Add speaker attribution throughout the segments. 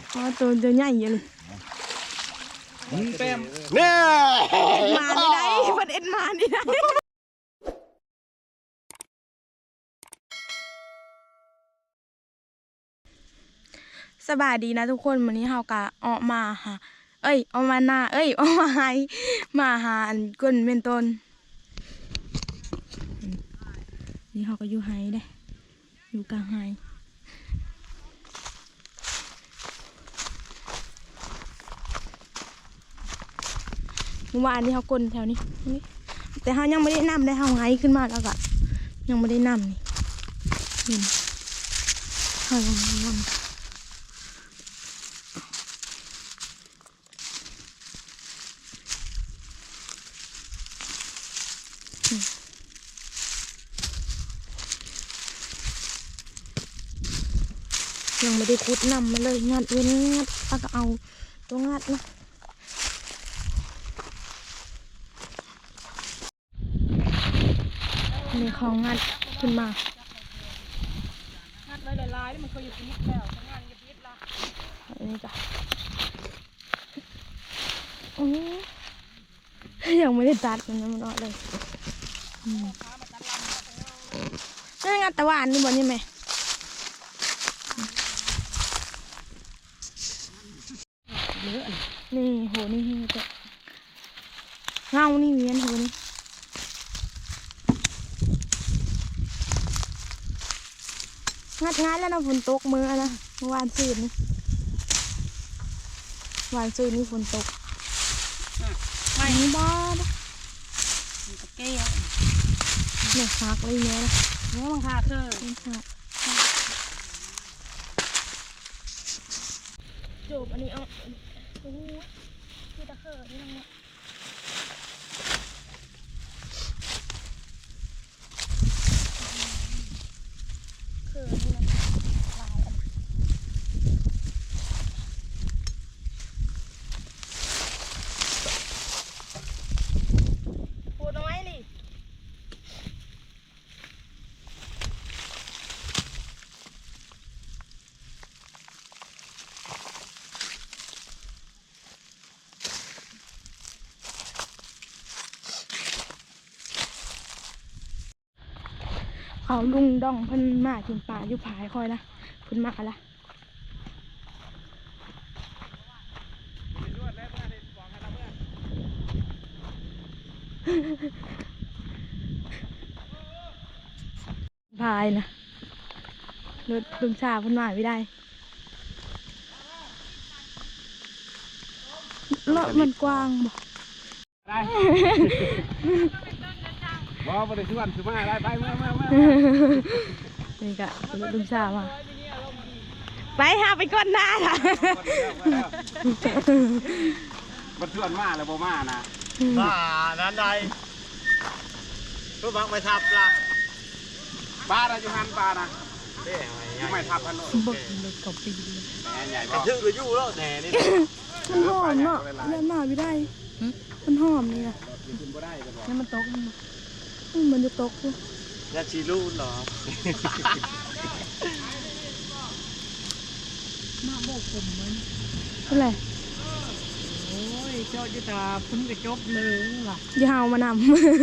Speaker 1: อ๋อตัวใหญ่เยอะเลย
Speaker 2: เต็มเนี่ย
Speaker 1: มาไม่ได้เพิ่นเอ็ดมานี่ได้สบายดีนะทุกคนวันนี้เฮากะออกมาหาออกมาหน้าออกมาหาอันก้นเมนต้นนี่เขาก็อยู่ไฮได้อยู่กลางไฮเมื่อวานนี้เขากลนแถวนี้แต่เขายังไม่ได้นำได้เขาไฮขึ้นมาแล้วก็ยังไม่ได้นำนี่เขายังไม่ได้นำยังไม่ได้คุดนำมาเลยงัดเว้นงัดแล้วก็เอาตัวงัดนะนี่เขางัดขึ้นมางัดไว้ลายๆมันเคยอยู่พิษแล้วงานอยู่พิษละอันนี้จ้ะยังไม่ได้ตัดมันยังไม่รอดเลยนี่งัดตะวันนี่บนนี่ไหมนี่โหนี่จะเงานี่เวียนโหนี่งัดแล้วนะฝนตกมือนะเมื่อวานซืนนี่วันซืนนี่ฝนตกไม่บ้านะตะเกียบเนี่ยหักเลยเนี่ยนะเนี่ยมันหักเธอจูบอันนี้เอาโอ้ยคือตะเกียบนี่นะเขาลุงดองเพิ่นมากินปลาอยู่ผายคอยนะเพิ่นมาละพายนะรถลุงชาเพิ่นมาไม่ได้รถมันกว้างบ่
Speaker 2: บ่ได้ชวนคือมาได้ไปมา
Speaker 1: นี่กะลุงชามาไปหาไปก้นหน้าค่ะ
Speaker 2: มันชวนมาแล้วบ่มานะ
Speaker 3: นั้นใดรู้บังไปทับละ
Speaker 2: ปลาอยู่หันปลานะไม่ทับพันโล
Speaker 1: บกเลยกับปีเลย
Speaker 2: ใหญ่
Speaker 3: กระชื่อก็ยู่แล้วแหน่นี่
Speaker 1: มันหอมเนาะเล่นมาไม่ได้มันหอมนี่นะนี่มันตกมันจะตกอยู่
Speaker 3: ยาชีรูเหรอ
Speaker 1: มาบอกผมมันอะไร
Speaker 3: โอ้ยเจ้าจิตาพุ่งกระจบเลยล่ะ
Speaker 1: ยาวมานำ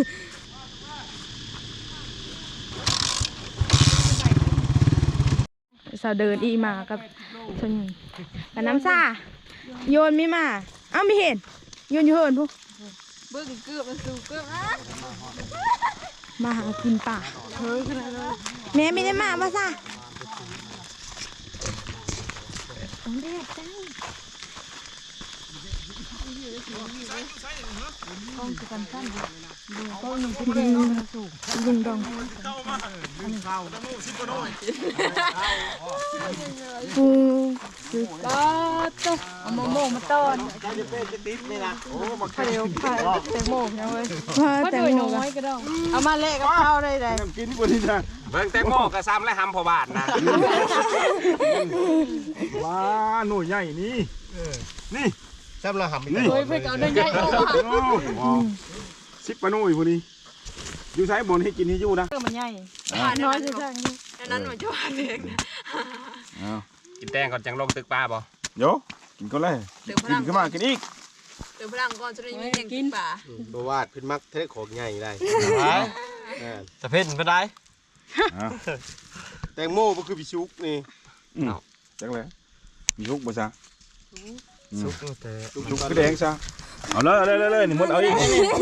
Speaker 1: สาวเดินอีมากับชนกับน้ำซ่าโยนไม่มาไม่เห็นโยนอยู่เหินพวกเบิ้งเกือบมันสูงเกือบมาหากินป่าเฮ้ยขนาดนั้นแม่ไม่ได้มาป่ะซ่าเด็ดจังกองกันสั้นดูก็ยังเป็นลุงดองปูก็ต้องเอาโมมาต้อน
Speaker 3: จะเป็นจะติดนี่นะโอ้มา
Speaker 1: เดี๋ยวผ่าแตงโมนะเว้ยแตงโมน้อยก็ได้เอามาเละกับข้าวได้เลย
Speaker 2: กินกว่านี้นะ
Speaker 4: เบิ่งแตงโมกระซ้ำและหำพอบาทนะ
Speaker 2: ว้าหน่วยใหญ่นี่นี่
Speaker 3: ซ้ำละหำ
Speaker 1: นี่เฮ้ยเพื่อนเอาเดินใหญ่ออก
Speaker 2: 10 ปะหน่วยพอดีอยู่ใช้บนให้กินให้อยู่นะ
Speaker 1: มันใหญ่น้อยจังอันนั้นมันจะว่าเด็ก
Speaker 4: กินแตงก่อนจังลงตึกปลาบ่
Speaker 2: โยกินก็เลยกินขึ้นมากินอีก
Speaker 5: เดี๋ยวพลังก่อนจะได้ยินกินป่า
Speaker 3: บ่วาดเพิ่นมักเทะของใหญ่ได้ตะเพ็นบ่ได้แตงโมบ่คือพี่ชุกนี่
Speaker 2: จังเลยมีชุกบ่ซะ
Speaker 3: ชุกแต่
Speaker 2: ชุกคือแดงซะเอาเลยนี่หมดเอาอีก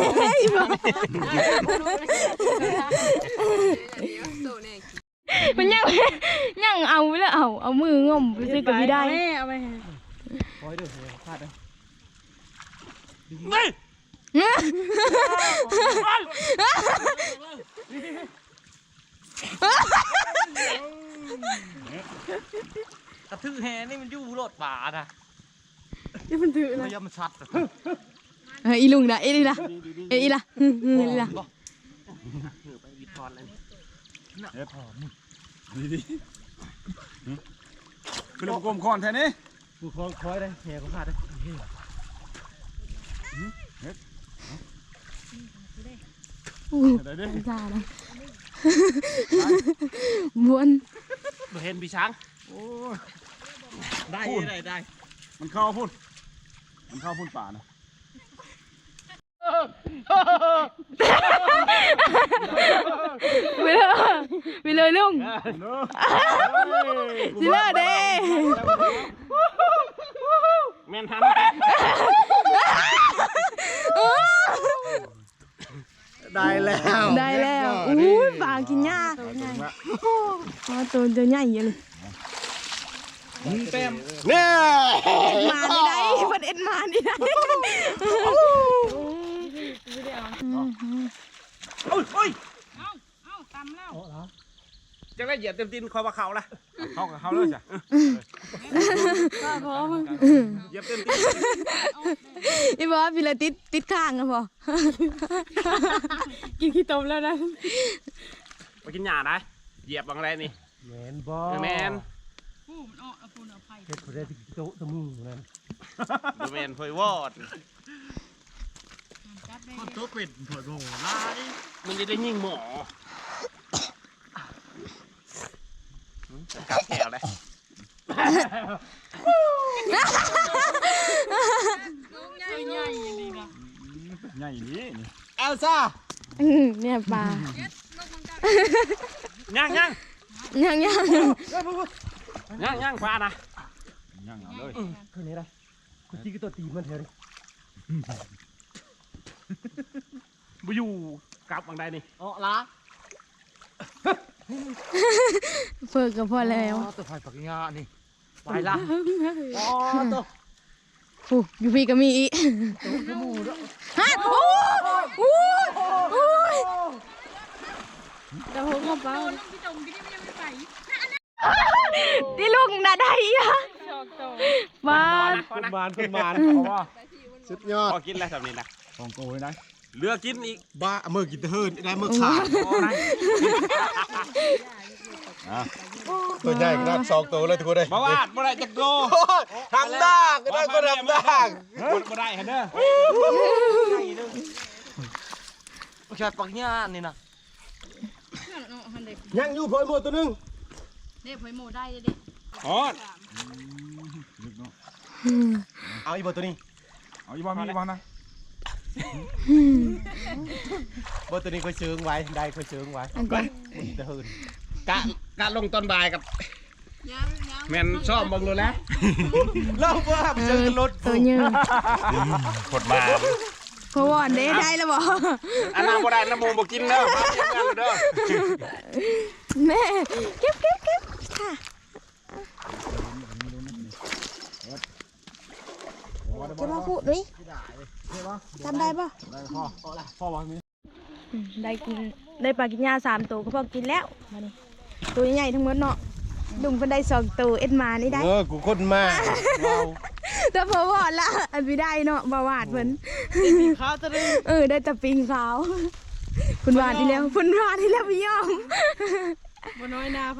Speaker 1: มันยังเอาแล้วเอามืองมไปซื้อกับพี่ได้เอาไป
Speaker 3: คอยเด้อพลาดเด้อกระทือแฮนี่มันอยู่รถป่านะที่มันถือนะมันชัด
Speaker 1: อีลุงนะอีละอีละอีละ
Speaker 3: ไปวิทอนเลย
Speaker 2: คือเรากลมคอนแท้นี้
Speaker 3: กูคอยได้แฮก็พลาดได้
Speaker 1: จ้านะม้วน
Speaker 3: เห็นพี่ช้างได้
Speaker 2: มันเข้าพุ่นป่านะ
Speaker 1: ไปเลยลุงสิเลอเด้
Speaker 3: แม่นทันได้แล้ว
Speaker 1: อุ้ยปลากินหญ้าตัวใหญ่เลย
Speaker 2: เต็ม
Speaker 3: เนี่ย
Speaker 1: มาไม่ได้ประเด็นมาไม่ได้
Speaker 4: จังได้เหยียบเต็มตีนคอยว่าเขาละ
Speaker 2: เขาเลยจ้ะ
Speaker 4: เหยียบเต็มตีน
Speaker 1: อีบอสพี่เลยติดข้างกันพอกินขี้ต้มแล้วนะ
Speaker 4: ไปกินหญ้านะเหยียบบางไรนี่
Speaker 3: แมนบอ
Speaker 4: แมน
Speaker 3: เฮ็ดคนได้ที่โต๊ะตะมือนั่น
Speaker 4: แมนพอยวอด
Speaker 3: คนโต๊ะเป็ดเผื่อโง่ได้
Speaker 4: มันจะได้ยิงหมอกับแถวเลย
Speaker 2: ใหญ่นี้
Speaker 3: เอลซ่า
Speaker 1: เนี่ยปลา
Speaker 4: ย่าง
Speaker 1: ยัง
Speaker 4: ปลานะ
Speaker 2: ย่างเอาเลย
Speaker 3: คนนี้ได้คนที่ก็ตัวตีมันเถอะ
Speaker 4: บุยูกับบางใดนี่
Speaker 3: อ๋อละ
Speaker 1: เฟิร์กับพ่อแล้ว
Speaker 3: ตัวไฟปักงานี่ไปละอ๋อตัว
Speaker 1: อยู่พี่ก็มีอีฮะโอ้ยเดี๋ยวผมเข้าไปที่ลูกน่ะได้อะมา
Speaker 3: คุณมานสุดยอด
Speaker 4: พอกินอะไรแบบนี้นะ
Speaker 2: ของโกยนะ
Speaker 4: เลือกกินอีก
Speaker 3: บ้าเมื่อกินเฮิร์นได้เมื่อขาดตัวใหญ่ขนาด2 ตัวเลยทุกคนเลย
Speaker 4: บ่วาดบ่ได้จักโก
Speaker 3: ทำได้ก็ได้ก็ทำได้
Speaker 4: บ่ได้ฮะเด้อ
Speaker 3: แค่ปักงานี่นะยังอยู่พอยหมดตัวนึง
Speaker 5: เด็กหอยโมได้เด็ก
Speaker 4: ฮอด
Speaker 3: เอาอีกตัวนี้
Speaker 2: เอาอีบ้ามีบ้านะ
Speaker 3: ตัวนี้ค่อยเชิงไว้ได้ค่อยเชิงไว้
Speaker 1: อันก่อน
Speaker 3: จะเฮิร์น
Speaker 4: กะลงตอนบ่ายกับแม่นชอบเบิ่งเลยแล้ว
Speaker 3: เล่าว่าเชิงรถ
Speaker 1: ตัวยืน
Speaker 4: กดมา
Speaker 1: เพราะว่าได้แล้วบอก
Speaker 4: อันนั้นบ่ได้น้ำมูบ่กินเด้อเด้อ
Speaker 1: แม่เก็บค่ะจะมาพูดดิทำได้ป่ะ
Speaker 2: พ่อวางนี้
Speaker 1: ได้กินได้ปลากินยา3 ตัวก็พอกินแล้วมานี่ตัวใหญ่ทั้งหมดเนาะดุงเพิ่นได้2 ตัวเอ็ดมานี่ได้
Speaker 3: กูคนมากว้าว
Speaker 1: แต่พอวอดละอันไม่ได้เนาะบ่วาดเพิ่น
Speaker 5: ข้าวจะได้
Speaker 1: ได้แต่ปิงขาวคุณวาดนี่แล้วคุณวาดนี่แล้วพี่ยอม
Speaker 5: บน้อยหน้าไผ่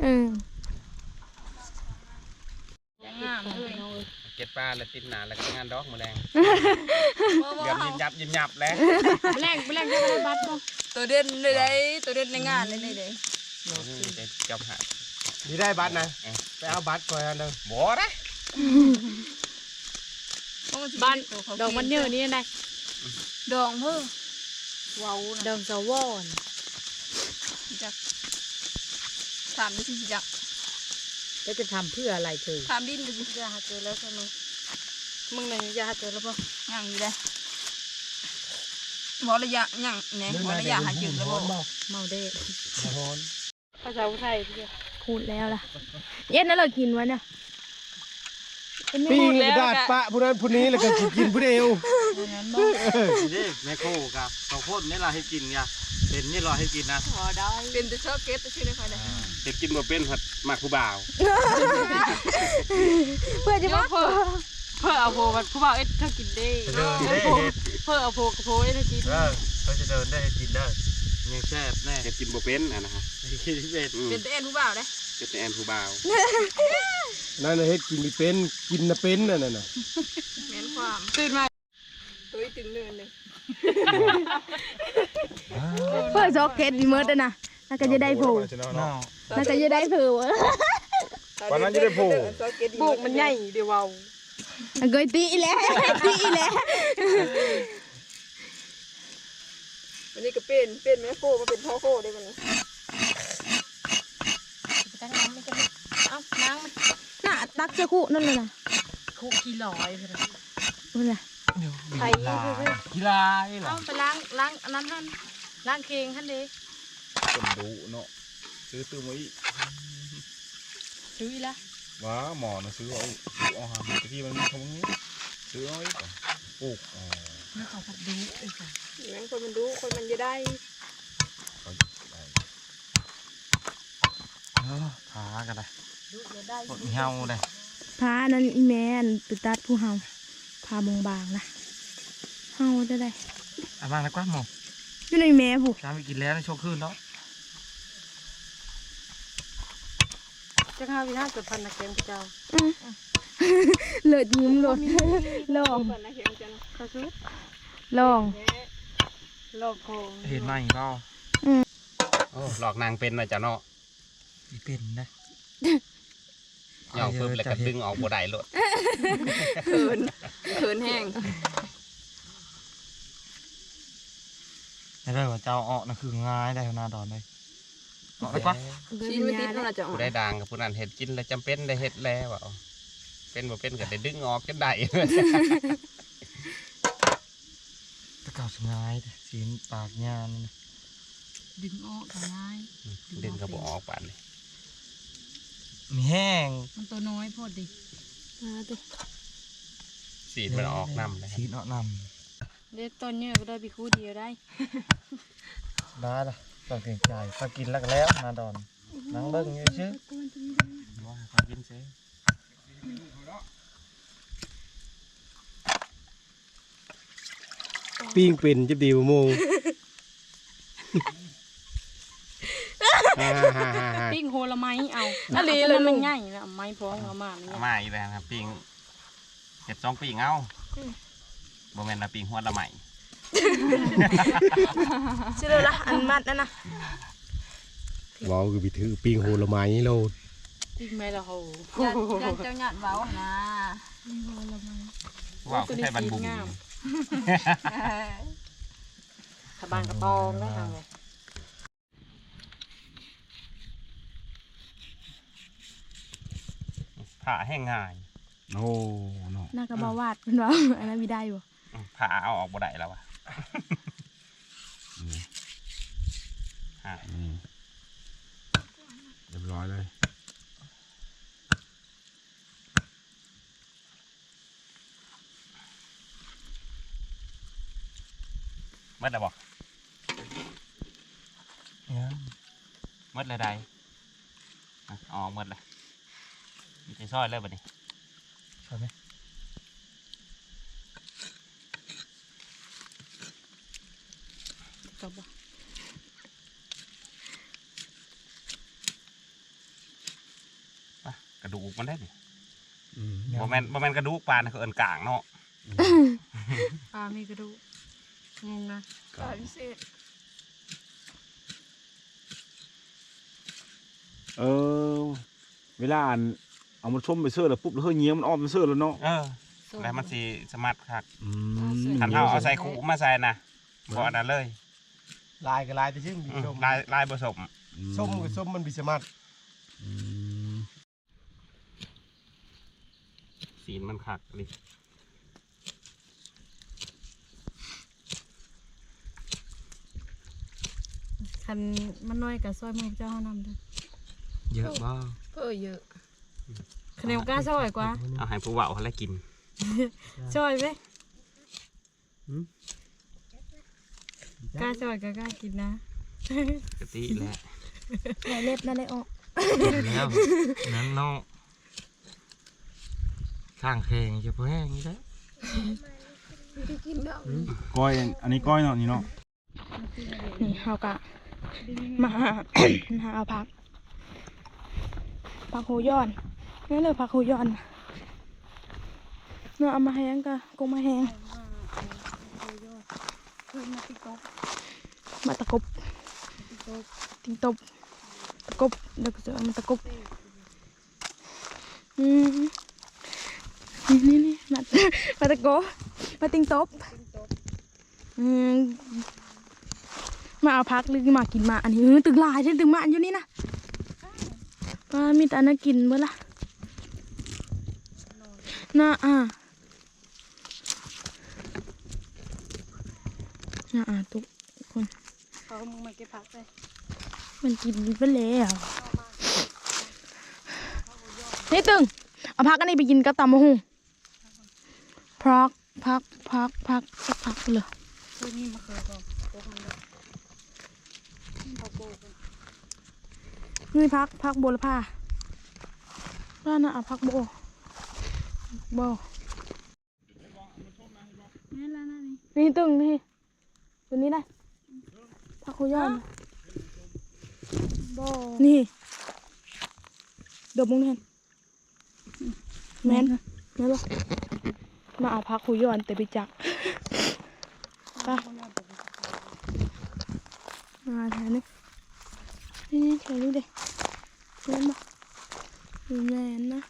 Speaker 5: งามเลย
Speaker 4: เก็บปลาแล้วติดหนาแล้วก็งานดอกมื้อแรงเดี๋ยวยิ้มยับแล้ว
Speaker 5: แรงจะได้บัตรตัวเด่นเลยได้ตัวเด่นในงานเลยเลย
Speaker 4: จะจำหา
Speaker 3: นี่ได้บัตรนะไปเอาบัตรก่อนเด้อ
Speaker 4: บ่ได้
Speaker 5: บ้านดอกมันเยอะนี่ไงดองเพิ่มว้าวดองสวอนจักถามดิสิจัก
Speaker 1: แล้วจะทำเพื่ออะไรเธอ
Speaker 5: ถามดินดิสิจะหาเจอแล้วใช่ไหมมึงไหนจะหาเจอแล้วป่ะยังอยู่เลยบอกระยะยังเนี่ยบอกระยะหาเจอแล้วป่ะเมาได้ภาษาไทยพี่พูดแล้วล่ะเย็นนั่นเรากินไว้เนี่ย
Speaker 2: ปิ้งดาดปะผู้นั้นผู้นี้แล้วก็กินผู้เดียว
Speaker 3: นี่แม่โคกับข้าวโพดนี่เราให้กินไงเป็นนี่เราให้กินนะ
Speaker 5: พอได้เป็นแต่ชอบเก็ตแต่ชื่อในใครได้
Speaker 4: เห็ดกินบ่เป็นหัดมากผู้บ่าว
Speaker 1: เพื่อจะมา
Speaker 5: เพื่อเอาโพมันผู้บ่าวเอ็ดถ้ากินได้
Speaker 3: เดินได้เห็ด
Speaker 5: เพื่อเอาโพกับโพเอ็ดถ้ากิน
Speaker 3: เขาจะเดินได้ให้กินได้ยังแซ่บแน่
Speaker 4: เห็ดกินบ่เป็นนะฮะ
Speaker 3: กินเป็น
Speaker 5: เป็นแต่เอ็นผู้บ่าวได้
Speaker 4: เห็ดแต่แอนผู้บ่าว
Speaker 2: นั่นน่ะเฮ็ดกินไม่เป็นกินน่ะเป็นนั่นน่ะ
Speaker 5: แม่นความตื่นมาตัวตึงเนินเลย
Speaker 1: เพื่อซอกเก็ตอีเมิร์ดนะน่าจะได้ผูน่าจะได้ผู
Speaker 2: วันนั้นจะได้โผล่
Speaker 5: บุกมันใหญ่เดี๋ยวเอา
Speaker 1: เกยตีแล้วตีแล้ว
Speaker 5: วันนี้ก็เป็นแม่โคมาเป็นพ่อโคได้มันตั้งน้ำไม่กันเอ้าน้ำมัน
Speaker 1: น่ะตักจะคู่นั่นเลยนะ
Speaker 5: คุกกี่ร้อยเลย
Speaker 1: นั่นแหละ
Speaker 5: ไข่
Speaker 3: กีฬานี่เหรอ
Speaker 5: เอาไปล้างอันนั้นท่านล้างเคียงท่านดี
Speaker 2: คนดูเนาะซื้อตื้อมาอีก
Speaker 5: ซื้ออีละ
Speaker 2: ว้าหมอนะซื้อเอาหาตะกี้มันมีคำนี้ซื้อเอาอีกปลูกอ๋อ
Speaker 5: นี่เขาผัดดูไอ้ค่ะงั้นคนมันดูคนมันจะได้
Speaker 3: พากันเลย
Speaker 5: ดูจะได้
Speaker 3: หมดเฮาเลย
Speaker 1: พานั่นอีแมนไปตัดผู้เฮาพามงบางนะเฮาจะได้
Speaker 3: เอาบ้างนะกว่าหมอ
Speaker 1: อยู่ในแม่ผู้
Speaker 3: ช้าไปกินแล้วในโชว์คืนแล้ว
Speaker 5: จะข้าววินาศพันนะเค็มเจ้า
Speaker 1: เลิศยิ้มโลดลอง
Speaker 5: พันนะเค็มเจ้าข้าวซุป
Speaker 1: ลอง
Speaker 5: โลกโคง
Speaker 3: เห็นไหมเปล่า
Speaker 4: โอ้หลอกนางเป็นนะจ๊ะเนาะ
Speaker 3: อีเป็นนะ
Speaker 4: ย่องปึ๊บแล้วก็ดึงออกบ่ได้โลด
Speaker 5: เขินแห้ง
Speaker 3: ไม่ได้ว่าเจ้าออกนะคือง่ายได้ขนาดดอนเลยออกได้กว่า
Speaker 5: ชิ้นไม่ติดนั่นแหละจ้ะ
Speaker 4: ผู้ได้ดังกับผู้นั้นเห็ดกินแล้วจำเป็นได้เห็ดแล้วว่าเป็นบ่เป็นก็ได้ดึงออกจนได้
Speaker 3: ตะเก่าสง่ายสีปากยาน
Speaker 5: ดึงออกง่าย
Speaker 4: ดึงก็บ่ออกปานนี้
Speaker 3: มีแห้ง
Speaker 5: มันตัวน้อยพอดี
Speaker 4: สีดมันออกน้ำเลย
Speaker 3: สีเนาะน
Speaker 5: เด็ดต้นเนี่ยก็ได้ไปคู่เดียวได้
Speaker 3: ำได้ละต้องเกรงใจพอกินแล้วก็แล้วนาดอนนั่งเบิ้งอยู่ชื่อ
Speaker 4: ว่าเขากินเซ่
Speaker 2: ปิ้งเป็นจะดีบ่โมง
Speaker 5: ปิ้งโฮละไม้เอาอะไรเลยมันง่ายนะไม้พร้อมเอามามัน
Speaker 4: เอามาอีกแล้วครับปิงเห็ด2 ปิงเอาบ่แม่นนะปิงหัวละไหม
Speaker 1: ชื่อเลยละอันมัดนั่นนะ
Speaker 2: ว้าวคือไปถือปิ้งโหละไม้โลด
Speaker 5: ปิ้งไม่ละโหยันเจ้าหยาดเว้านะโฮละไม้
Speaker 4: ว้าวคือไทยบันบุ๋ม
Speaker 5: ขบานกระตองได้ทางไง
Speaker 4: ผ่าแห้งง่าย
Speaker 2: โอ้เนาะ
Speaker 1: น่ากระบาวาดเป็นว่าอันนั้นมีได้บ่
Speaker 4: ผ่าเอาออกบ่ได้แล้ววะฮะ
Speaker 2: เรียบร้อยเลย
Speaker 4: เมื่อไรบอกเมื่อไรใดอ๋อเมื่อไรมีใจซอยเลยบัดนี้
Speaker 3: ใช่ไหม
Speaker 5: จบบ่
Speaker 4: กระดูกมันได้ดิ
Speaker 2: อืม
Speaker 4: บ่แม่นกระดูกปลานะคือเอิ้นกลางเนาะ
Speaker 5: ปลามีกระดูกงงนะปลาพิเศษ
Speaker 2: เวลาอันเอามันชมไปเสื้อแล้วปุ๊บแล้วเฮ้ยเงี้ยมันอ้อมไปเสื้อแล้วเนาะ
Speaker 4: แล้วมันสิสมัดคัก
Speaker 2: มั
Speaker 4: คันเฮาเอาใส่ขู่มาใส่นะบ่อันนั้นเลย
Speaker 3: ลายกับลายแต่ชื่อมีส้ม
Speaker 4: ลายผสม
Speaker 3: ส้มกับส้มมันบิสมัด
Speaker 4: สีมันคักเลย
Speaker 1: คันมันน้อยกับซอยมือเจ้าเฮานำเด้อ
Speaker 3: เยอะบ้าง
Speaker 5: เยอะ
Speaker 1: คะแนนกล้าซอยกว่า
Speaker 4: เอาให้ผู้เว้าเขาแล้วกิน
Speaker 1: ซอยไหมกล้าซอยก็กล้ากินนะ
Speaker 4: กะติแหละ
Speaker 1: ไหนเล็บนั่นเลยออก
Speaker 3: แล้วนั้นน้องข้างแข่งจะพอแห้งนี่ได้
Speaker 2: ก้อยอันนี้ก้อยเนาะนี่เนาะ
Speaker 1: นี่เฮากะมาหา เอาผักหูย้อนนี่เลยผักหูย้อนเนาะเอามาแห้งกะกงมาแห้งมาตะกบติงตบตะกบเดี๋ยวก็จะเอามาตะกบนี่มาตะกบมาติงตบมาเอาพักหรือมากินมาอันนี้ตึกลายใช่ตึกมาอยู่นี่นะป้ามีแต่อันนั้นกินเมื่อละน่าทุกคน
Speaker 5: เขามึงมาเก็บผักเลย
Speaker 1: มันกินไปแล้วนี่ตึงเอาพักอันนี้ไปกินกับตำมะฮุ่งพักสักพักเลย
Speaker 5: ตัวนี้มาเคยก่อนโต๊ะมันเลยเขาโบกัน
Speaker 1: นี่พักโบละผ้าบ้านน่ะเอาพักโบ
Speaker 5: นี่แล้วนะนี่
Speaker 1: นี่ตึงนี่ตัวนี้ได้พักโคย้อน
Speaker 5: โบ
Speaker 1: นี่เดี๋ยวมึงเห็นแม่นนี่ลูกมาเอาพักโคย้อนแต่ไปจักไปมาแถวนี้นี่แถวนี้เด็กแม่นบ่แม่นนะ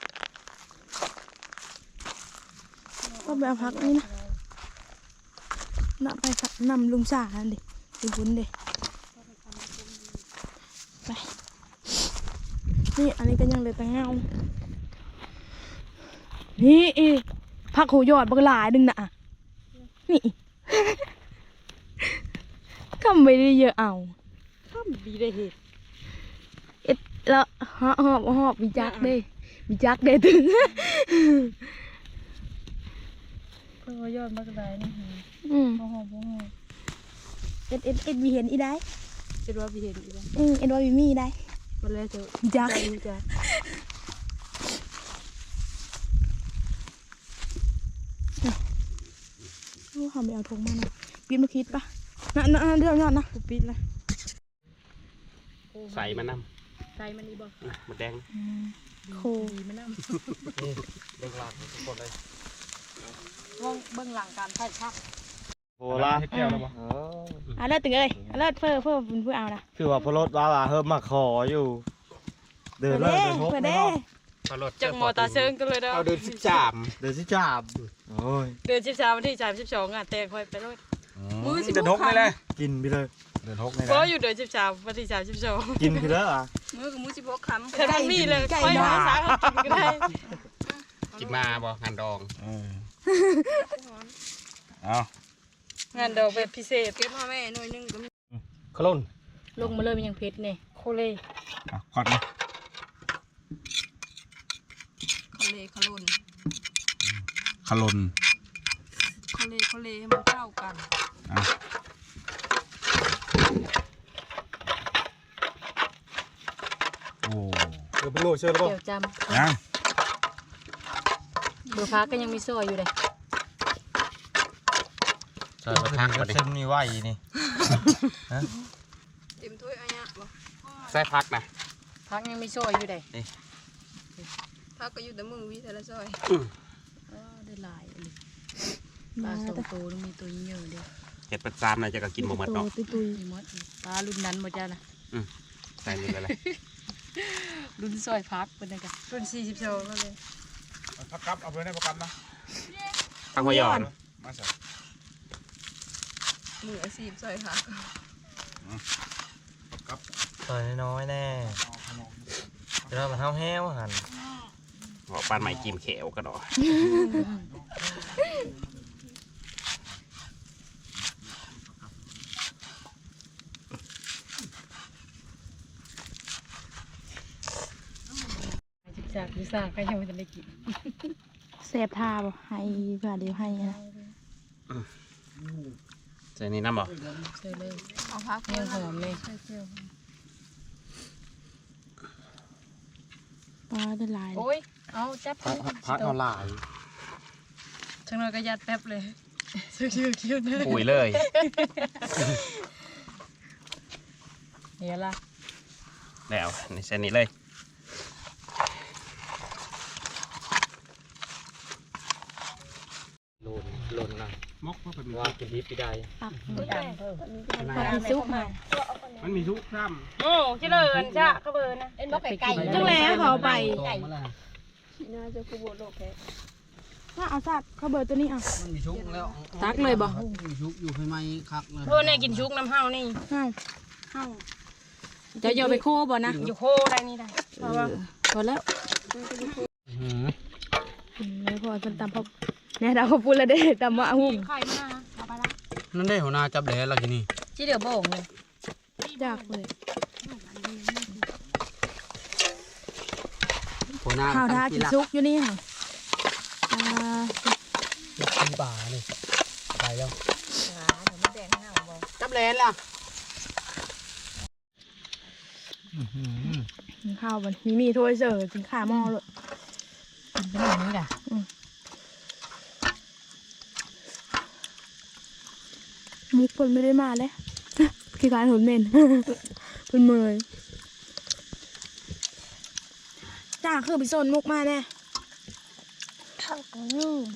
Speaker 1: ก็ไปเอาพักนี่นะน่ะไปสักนำลุงสาอันดิไปบุญเด็ไปนี่อันนี้ก็ยังเหลือแต่เงานี่พักโหยอดบักหลายดึงน่ะนี่ ก็ไม่ได้เยอะเอา
Speaker 5: ข้ามดีได้เห็ด
Speaker 1: แล้วหอบวิจักเด้ถึง
Speaker 5: เขายอดมากเลยนี่
Speaker 1: บ่หอบเอ็ดวีเห็นอีได้
Speaker 5: จะรอไปเห็นอีกแล้ว
Speaker 1: เอ็ดวีมีได้
Speaker 5: มันเลยจะ
Speaker 1: วิจัก
Speaker 5: รู้จัก
Speaker 1: เขาไปเอาธงมานะปีนมาคิดปะน่ะเรื่องยอดนะ
Speaker 5: กูปิดเลย
Speaker 4: ใส่มันน้
Speaker 5: ใจมันนี่บ่
Speaker 4: ำหมดแดง
Speaker 1: โค
Speaker 5: ดีมันน้ำ
Speaker 3: เด็กหลังทุกคนเลย
Speaker 5: ว่องเบื้องหลังการถ่ายภาพ
Speaker 3: โหล่ะ
Speaker 2: ให้แก้วแล้วบ่
Speaker 1: เลิศตึงเอ้ยเลิศเพื่อเอานะ
Speaker 3: คือว่าพลดว่าเฮิมมาขออยู่ เดินเลยเดินพบ
Speaker 1: เพื่อ
Speaker 3: ไม่
Speaker 1: เด้
Speaker 3: ต้อง
Speaker 5: จากมอตาเซิงกันเลยเด้อ
Speaker 4: เอาเดิน13
Speaker 3: เดินสิจับโอ้ย
Speaker 5: เดือน13วันที่32อ่ะแต่คอยไปรถมือสิ
Speaker 4: เดิน6นี่เลย
Speaker 3: กินไปเลย
Speaker 2: เดินหกนี่
Speaker 5: ก็
Speaker 2: นะ
Speaker 5: อยู่เดือน13วันที่32
Speaker 3: กินไปแล้วอ่ะ
Speaker 5: มือกับมือ16คำแต่มันมีเลยค่อยมาสากินก็ได้
Speaker 4: กินมาบ่หันดอง
Speaker 2: เอา
Speaker 5: งานดอกแบบพิเศษเก็บมาแม่หน่วยนึงก็มี
Speaker 3: ขลุ่น
Speaker 5: ลงมาเลยมันยังเพชรเนี่ยโคเล่
Speaker 2: ควักนะ
Speaker 5: โคเล่ขลุ่น
Speaker 2: ขลน
Speaker 5: โคเล่ให้มันเข้ากัน
Speaker 2: โอ้
Speaker 3: เดี๋ยวไปโง่เชื่อแล้วป่ะ
Speaker 5: เดี๋ยวจ
Speaker 2: ยัง
Speaker 5: ำเบอร์พักก็ยังมีซอยอยู่เลย
Speaker 4: ใส่มาทักมาดิ
Speaker 3: เส้นมีไหวนี่
Speaker 5: เต็มถ้วยอันนี้บ่
Speaker 4: ใส่พักนะ
Speaker 5: พักยังมีซอยอยู่เลย
Speaker 6: พักก็อยู่แต่มือวิแต่ละซอย
Speaker 5: ได้หลายเลยปลาสองตัวมีตัวเยอะเดียว
Speaker 4: เห็ดประจามน่ะจะก็กินบ่หมดเนาะ
Speaker 1: ตุย
Speaker 5: มีมดปลารุ่นนั้นหมดจ้านะ
Speaker 4: ใส่นี่เลย
Speaker 5: รุ่นซอยพักเป็นไงกันรุ่น42แล้วเลย
Speaker 2: พักกับเอาไปได้ประกันนะ
Speaker 4: พังหัวยอน
Speaker 2: มาใส่
Speaker 6: มืออาชีพซอยผัก
Speaker 2: พักกับ
Speaker 3: ซอยน้อยแน่เดี๋ยวเรามาเท้าแห้วหัน
Speaker 4: บอกปานใหม่กิมเขียวกันหรอ
Speaker 5: จากก็ยังไม่ได้กิน
Speaker 1: แสบทาบ่ให้เพื่อเดี๋ยวให้นะ
Speaker 4: เจนี่น้ำบอก
Speaker 5: ใช่เลย
Speaker 6: เอาพัก
Speaker 5: เนื้อหอมเลย
Speaker 1: ปลาได้หลาย
Speaker 5: โอ้ยเอาจับ
Speaker 3: พัดเอาหลาย
Speaker 5: ช่างน้อยก็ยัดแป๊บเลยชื่อคิ้วเนื้อ
Speaker 4: ปุ๋ยเลย
Speaker 5: เดี๋ยวละ
Speaker 4: แล้วในเส้นนี้เลย
Speaker 3: โลนนะมกว่าเป็นว่ากินดิบไปได้
Speaker 1: ปัก
Speaker 5: ดังเพิ่ม
Speaker 1: ปักซุปมา
Speaker 3: มันมีทุกค
Speaker 5: โอ้ชิเลนจ้ะเขาเบอร์นะ
Speaker 6: เอ็นบอกไก่
Speaker 1: จังแล้วเขาเอาไป
Speaker 6: น่าจะคูบโลกแค่
Speaker 1: ถ้าเอาสัตว์เขาเบอร์ตัวนี้เอา
Speaker 7: มันมีชุกแล้ว
Speaker 1: ตักเลยบ่
Speaker 7: มีชุกอยู่ภายในคักเลย
Speaker 5: เพื่อนเนี่ยกินชุกน้ำเฮานี่
Speaker 1: เอ้าจะโยนไปโคบ่นะ
Speaker 5: อยู่โคได้นี่ได้เพราะว่า
Speaker 1: พอแล้วไม่พอจนตำพบเนี่ยเราเขาพูดแล้วเด้ตำว่าหุ่ม
Speaker 5: ไข่มาเอาไปละ
Speaker 7: นั่นได้หัวหน้าจับแดดแล้วทีนี่
Speaker 5: ที่เดือโบ่งเลย
Speaker 1: ยากเลย
Speaker 7: หัวหน้า
Speaker 1: ข้าวทากินซุกอยู่นี่ค่ะอ่า
Speaker 7: ยักษ์ที่ป่าเลยไปแล้ว
Speaker 6: เดี๋ยวมันแดงหน้าบอก
Speaker 7: จับแดดล่ะ
Speaker 1: กินข้าวบนมีถ้วยเสิร์ฟกินข้าวหม้อเลย
Speaker 5: เป็นอย่างนี้ด่ะ
Speaker 1: มุกคนไม่ได้มาเลย คือการหุ่นเมน เป็นเมยจ้าคือไปโซนมุกมาแน่ลืม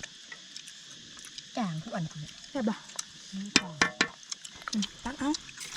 Speaker 5: จ่างทุกอัน
Speaker 1: ใช่ปะตักเอา